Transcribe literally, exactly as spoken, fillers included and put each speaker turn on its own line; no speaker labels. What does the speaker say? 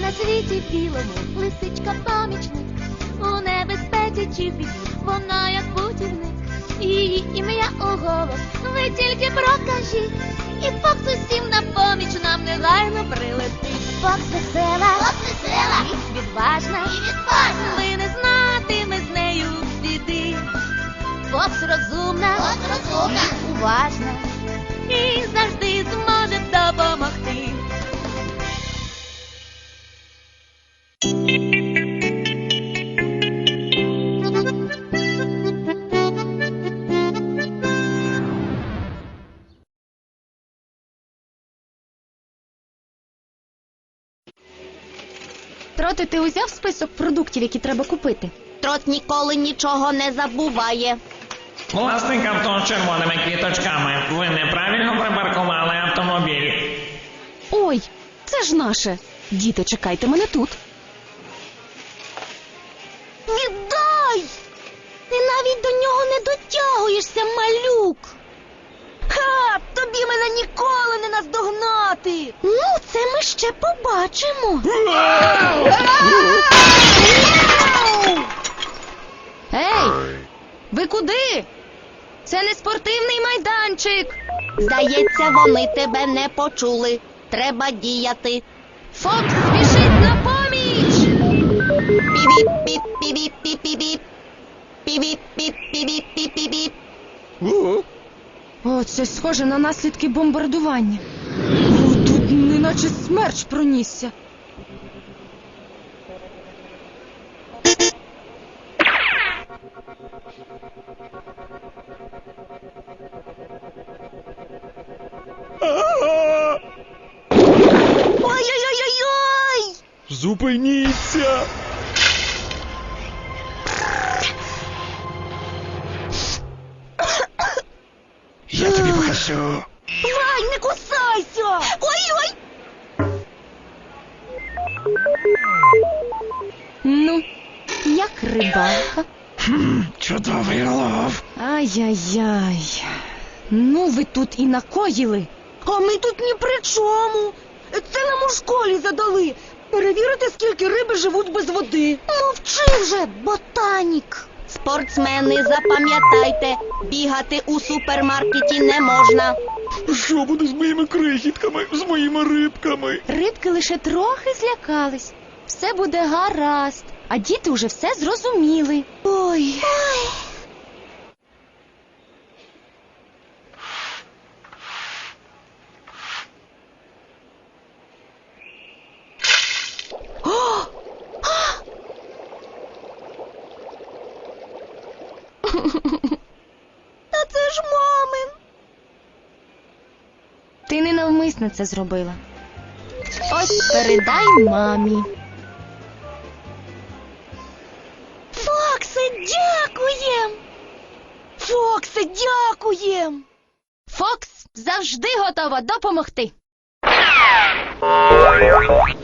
На світі білому лисичка помічник, у небезпеці чи в біді вона як путівник. Її ім'я у голос ви тільки прокажіть, і Фокс усім на поміч нам негайно прилетить. Фокс весела, Фокс весела, і відважна, і відважна, ви не знатиме з нею біди. Фокс розумна, Фокс розумна, і уважна, і завжди зможе допомогти.
Троти, ти узяв список продуктів, які треба купити?
Трот ніколи нічого не забуває.
Власник авто з червоними квіточками. Ви неправильно припаркували автомобіль.
Ой, це ж наше. Діти, чекайте мене тут.
Віддай! Ти навіть до нього не дотягуєшся, малюк. Ха! Тобі мене ніколи не наздогнати. Ну, це ми ще побачимо.
Ей! Ви куди? Це не спортивний майданчик.
Здається, вони тебе не почули. Треба діяти.
Фокс спішить на поміч!
Пі-віп-піп-пі-віп-піп-піп. Пі-віп-піп-пі-віп-піп-піп.
О, це схоже на наслідки бомбардування. О, тут неначе смерч пронісся.
Ой-ой-ой-ой!
Зупиніться! Я тобі покажу.
Вань, не кусайся! Ой-ой!
Ну, як рибалка.
Хм, чудовий лов.
Ай-яй-яй. Ну, ви тут і накоїли.
А ми тут ні при чому. Це нам у школі задали. Перевірити, скільки риби живуть без води.
Мовчи вже, ботанік! Спортсмени, запам'ятайте, бігати у супермаркеті не можна.
Що буде з моїми крихітками, з моїми рибками?
Рибки лише трохи злякались. Все буде гаразд. А діти вже все зрозуміли.
Ой.
Та це ж мамин.
Ти ненавмисно це зробила. Ось передай мамі.
Фоксе, дякуєм!
Фоксе, дякуєм!
Фокс завжди готова допомогти.